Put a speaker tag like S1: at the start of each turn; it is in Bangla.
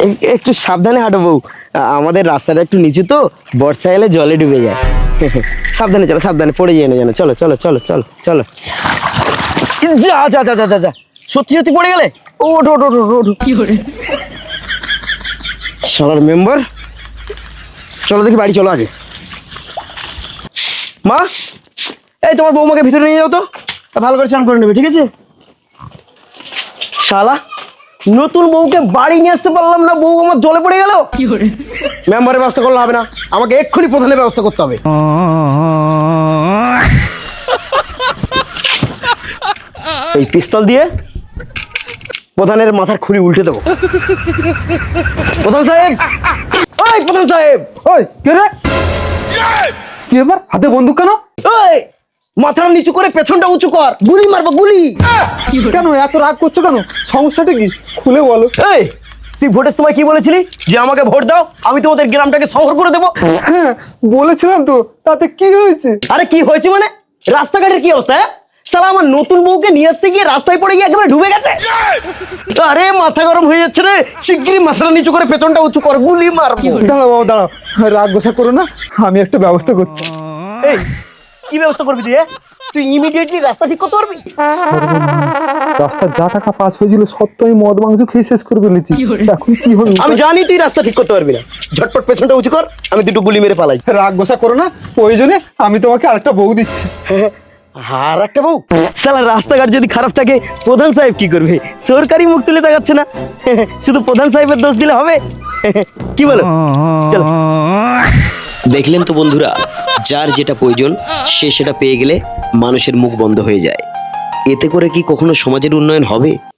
S1: একটু সাবধানে হাঁটো বউ, আমাদের রাস্তাটা একটু নিচু তো, বর্ষা এলে জলে ডুবে যায়। সাবধানে চলো, সাবধানে পড়ে যায় না যেন। চলো চলো চলো চলো চলো। যা যা যা যা যা যা, সত্যি সত্যি পড়ে গেলে? ওঠো ওঠো ওঠো ওঠো। কি করে শালার মেম্বার। চলো দেখি বাড়ি, চলো আগে। মা, এই তোমার বৌমাকে ভিতরে নিয়ে যাও তো, ভালো করে চান করে নেবে, ঠিক আছে? শালা, নতুন বউকে বাড়ি নিয়ে আসতে পারলাম না, বউ আমার জলে পড়ে গেল। মেম্বারের ব্যবস্থা করলে হবে না, আমাকে এক্ষুনি প্রধানের ব্যবস্থা করতে হবে। এই পিস্তল দিয়ে প্রধানের মাথার খুলি উল্টে দেবো। প্রধান সাহেব, ওই প্রধান সাহেব।
S2: ওই কে রে? কি ব্যাপার, হাতে বন্দুক কেন?
S1: ওই মাথাটা নিচু করে পেছনটা উঁচু কর, গুলি মারবো গুলি।
S2: কেন এত রাগ করছো কেন? সমস্যাটা কি খুলে বলো।
S1: এই, তুই ভোটের সময় কি বলেছিলি? যে আমাকে ভোট দাও, আমি তোমাদের গ্রামটাকে শহর করে দেবো।
S2: হ্যাঁ বলেছিলাম তো, তাতে কি হয়েছে?
S1: আরে কি হয়েছে মানে? রাস্তাঘাটের কি অবস্থা? সালা, আমার নতুন বউকে নিয়ে আসতে গিয়ে রাস্তায় পড়ে গিয়ে একেবারে ডুবে গেছে। আরে মাথা গরম হয়ে যাচ্ছে রে, শিগগিরই মাথাটা নিচু করে পেছনটা উঁচু কর, গুলি মারবো।
S2: দাঁড়াও বাবা দাঁড়াও, রাগ গোসা করো না, আমি একটা ব্যবস্থা করছি।
S1: এই, কি ব্যবস্থা করবি তুই? তুই ইমিডিয়েটলি রাস্তা ঠিক করতে পারবি?
S2: রাস্তার যা টাকা পাস হয়েছিল সব তো আমি মদ মাংস খেয়ে শেষ করে ফেলেছি, এখন কি হবে?
S1: আমি জানি তুই রাস্তা ঠিক করতে পারবি না, ঝটপট পেছনটা উঁচু কর, আমি দুটো গুলি মেরে পালাই।
S2: রাগ গোসা করো না, প্রয়োজনে আমি তোমাকে আরেকটা বউ দিচ্ছি।
S1: আর একটা বউ? সালা, রাস্তাঘাট যদি খারাপ থাকে প্রধান সাহেব কি করবে? সরকারি মুখ তুলে তাকাচ্ছে না, শুধু প্রধান সাহেবের দোষ দিলে হবে? কি বলো? চলো। দেখলেন তো বন্ধুরা, যার যেটা প্রয়োজন সে সেটা পেয়ে গেলে মানুষের মুখ বন্ধ হয়ে যায়। এতে করে কি কখনো সমাজের উন্নয়ন হবে?